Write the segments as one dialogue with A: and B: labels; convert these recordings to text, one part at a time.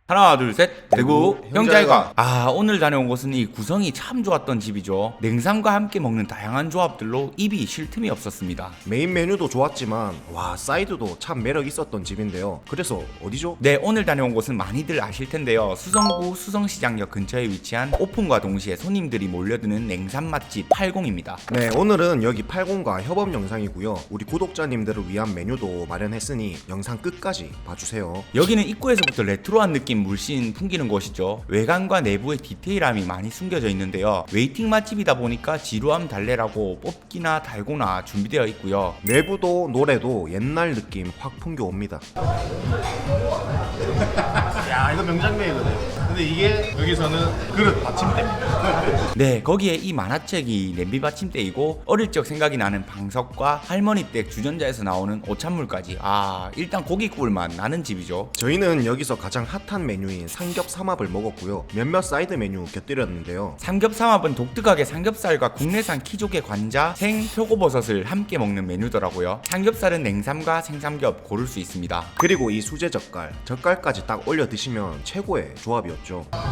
A: 하나 둘 셋 대구
B: 형제회관.
A: 형제회관. 오늘 다녀온 곳은 이 구성이 참 좋았던 집이죠. 냉삼과 함께 먹는 다양한 조합들로 입이 쉴 틈이 없었습니다.
B: 메인 메뉴도 좋았지만 와 사이드도 참 매력 있었던 집인데요. 그래서 어디죠?
A: 네, 오늘 다녀온 곳은 많이들 아실 텐데요. 수성구 수성시장역 근처에 위치한 오픈과 동시에 손님들이 몰려드는 냉삼 맛집 80입니다.
B: 네, 오늘은 여기 80과 협업 영상이고요. 우리 구독자님들을 위한 메뉴도 마련했으니 영상 끝까지 봐주세요.
A: 여기는 입구에서부터 레트로한 느낌 물씬 풍기는 곳이죠. 외관과 내부의 디테일함이 많이 숨겨져 있는데요. 웨이팅 맛집이다 보니까 지루함 달래라고 뽑기나 달고나 준비되어 있고요.
B: 내부도 노래도 옛날 느낌 확 풍겨옵니다.
C: 야, 이거 명장면이거든. 근데 이게 여기서는 그릇 받침대입니다.
A: 네, 거기에 이 만화책이 냄비 받침대이고 어릴 적 생각이 나는 방석과 할머니 댁 주전자에서 나오는 오찬물까지. 일단 고기국물만 나는 집이죠.
B: 저희는 여기서 가장 핫한 메뉴인 삼겹삼합을 먹었고요. 몇몇 사이드 메뉴 곁들였는데요.
A: 삼겹삼합은 독특하게 삼겹살과 국내산 키조개 관자, 생, 표고버섯을 함께 먹는 메뉴더라고요. 삼겹살은 냉삼과 생삼겹 고를 수 있습니다.
B: 그리고 이 수제 젓갈까지 딱 올려 드시면 최고의 조합이었죠.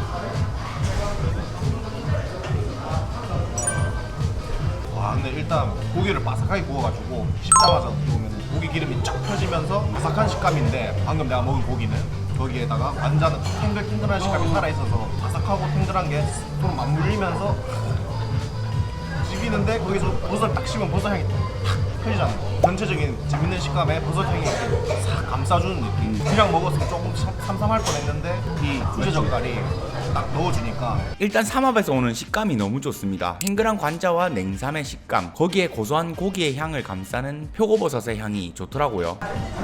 C: 와, 근데 일단 고기를 바삭하게 구워가지고 씹자마자 어떻게 보면 고기 기름이 쫙 펴지면서 바삭한 식감인데 방금 내가 먹은 고기는 거기에다가 완자는 탱글탱글한 식감이 살아있어서 바삭하고 탱글한 게 서로 맞물리면서 씹히는데 거기서 버섯 딱 씹으면 버섯 향이 탁 펴지잖아요. 전체적인 재밌는 식감에 버섯 향이 싹 감싸주는 느낌. 그냥 먹었으면 조금 삼삼할 뻔했는데 이 수제 젓갈이 딱 넣어주니까
A: 일단 삼합에서 오는 식감이 너무 좋습니다. 탱글한 관자와 냉삼의 식감, 거기에 고소한 고기의 향을 감싸는 표고버섯의 향이 좋더라고요.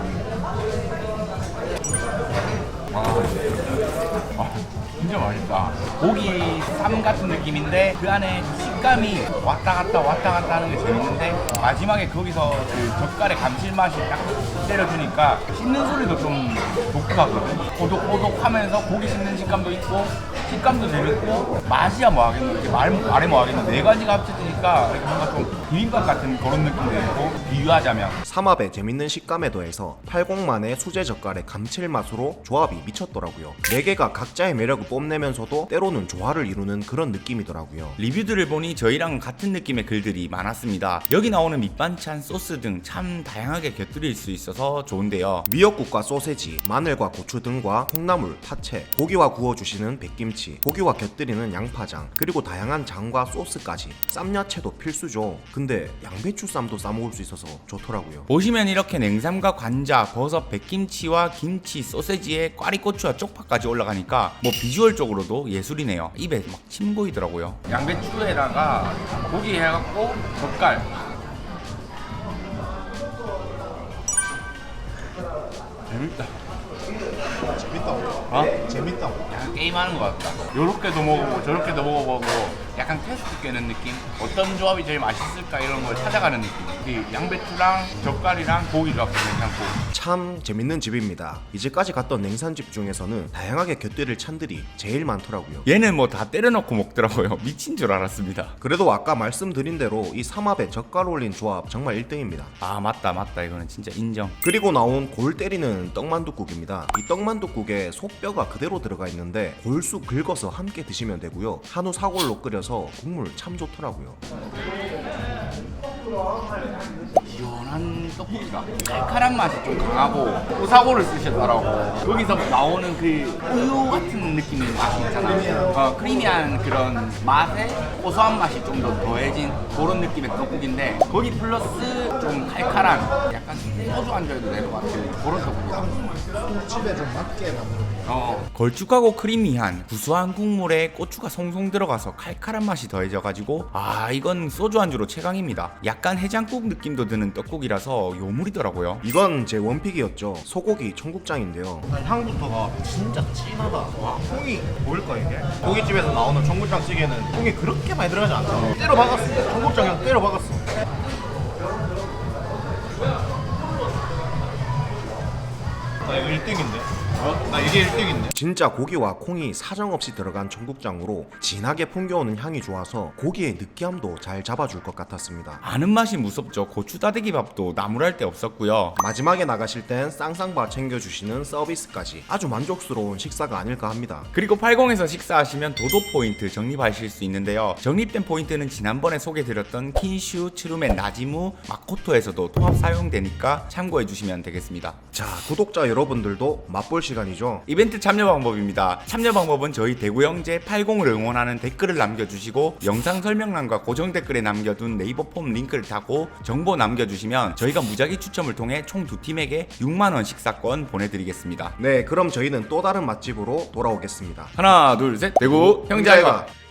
A: 진짜 맛있다. 고기 쌈 같은 느낌인데 그 안에 식감이 왔다 갔다 하는 게 재밌는데 마지막에 거기서 그 젓갈의 감칠맛이 딱 때려주니까 씹는 소리도 좀 독특하거든. 오독오독하면서 고기 씹는 식감도 있고 식감도 재밌고 맛이야 뭐하겠노. 이렇게 말해 뭐하겠노. 네 가지가 합쳐지니까 뭔가 좀 비빔밥 같은 그런 느낌도 있고 비유하자면
B: 삼합의 재밌는 식감에 더해서 80만의 수제 젓갈의 감칠맛으로 조합이 미쳤더라고요. 4개가 각자의 매력을 뽐내면서도 때로는 조화를 이루는 그런 느낌이더라고요.
A: 리뷰들을 보니 저희랑 같은 느낌의 글들이 많았습니다. 여기 나오는 밑반찬, 소스 등 참 다양하게 곁들일 수 있어서 좋은데요.
B: 미역국과 소세지, 마늘과 고추 등과 콩나물, 파채, 고기와 구워주시는 백김치, 고기와 곁들이는 양파장, 그리고 다양한 장과 소스까지 쌈야채도 필수죠. 근데 양배추 쌈도 싸먹을 수 있어서 좋더라고요.
A: 보시면 이렇게 냉삼과 관자, 버섯, 백김치와 김치, 소세지에 꽈리고추와 쪽파까지 올라가니까 뭐 비주얼적으로도 예술이네요. 입에 막 침 고이더라고요. 양배추에다가 고기 해갖고 젓갈. 재밌다.
C: 재밌다고. 재밌다고.
A: 약간 게임하는 것 같다. 요렇게도 먹어보고 저렇게도 먹어보고 약간 테스트 깨는 느낌? 어떤 조합이 제일 맛있을까 이런 걸 찾아가는 느낌. 이 양배추랑 젓갈이랑 고기 조합도 괜찮고.
B: 참 재밌는 집입니다. 이제까지 갔던 냉산집 중에서는 다양하게 곁들일 찬들이 제일 많더라고요.
A: 얘는 뭐 다 때려넣고 먹더라고요. 미친 줄 알았습니다.
B: 그래도 아까 말씀드린 대로 이 삼합에 젓갈 올린 조합 정말 1등입니다.
A: 맞다 이거는 진짜 인정.
B: 그리고 나온 골 때리는 떡만둣국입니다. 이 떡만둣국에 속뼈가 그대로 들어가 있는데 골수 긁어서 함께 드시면 되고요. 한우 사골로 끓여서 국물 참 좋더라고요.
A: 시원한 떡볶이가 칼칼한 맛이 좀 강하고 우사고를 쓰셨더라고. 여기서 나오는 그 우유 같은 느낌의 맛이 있잖아. 크리미한 그런 맛에 고소한 맛이 좀 더 더해진 그런 느낌의 떡국인데 거기 플러스 좀 칼칼한 약간 소주 안주에도 될 것 같은 그런 떡국이다.
C: 집에 좀 맞게 만들어.
A: 걸쭉하고 크리미한 구수한 국물에 고추가 송송 들어가서 칼칼한 맛이 더해져가지고 이건 소주 안주로 최강입니다. 약간 해장국 느낌도 드는 떡국이라서 요물이더라고요.
B: 이건 제 원픽이었죠. 소고기 청국장인데요.
C: 향부터가 진짜 진하다. 와, 콩이 보일까 이게? 고깃집에서 나오는 청국장 찌개는 콩이 그렇게 많이 들어가지 않잖아. 때려 박았어. 청국장 그냥 때려 박았어. 이거 1등인데? 나 이게 1등인데?
B: 진짜 고기와 콩이 사정없이 들어간 청국장으로 진하게 풍겨오는 향이 좋아서 고기의 느끼함도 잘 잡아줄 것 같았습니다.
A: 아는 맛이 무섭죠. 고추 다대기 밥도 나무랄 데 없었고요.
B: 마지막에 나가실 땐 쌍쌍바 챙겨주시는 서비스까지 아주 만족스러운 식사가 아닐까 합니다.
A: 그리고 80에서 식사하시면 도도 포인트 적립하실 수 있는데요. 적립된 포인트는 지난번에 소개드렸던 킨슈, 츠루멘, 나지무, 마코토에서도 통합 사용되니까 참고해 주시면 되겠습니다.
B: 자, 구독자 여러분들도 맛볼 시간이죠.
A: 이벤트 참여 방법입니다. 참여 방법은 저희 대구형제 80을 응원하는 댓글을 남겨주시고 영상 설명란과 고정 댓글에 남겨둔 네이버 폼 링크를 타고 정보 남겨주시면 저희가 무작위 추첨을 통해 총 2팀에게 6만원 식사권 보내드리겠습니다.
B: 네, 그럼 저희는 또 다른 맛집으로 돌아오겠습니다.
A: 하나 둘 셋 대구 형제아이가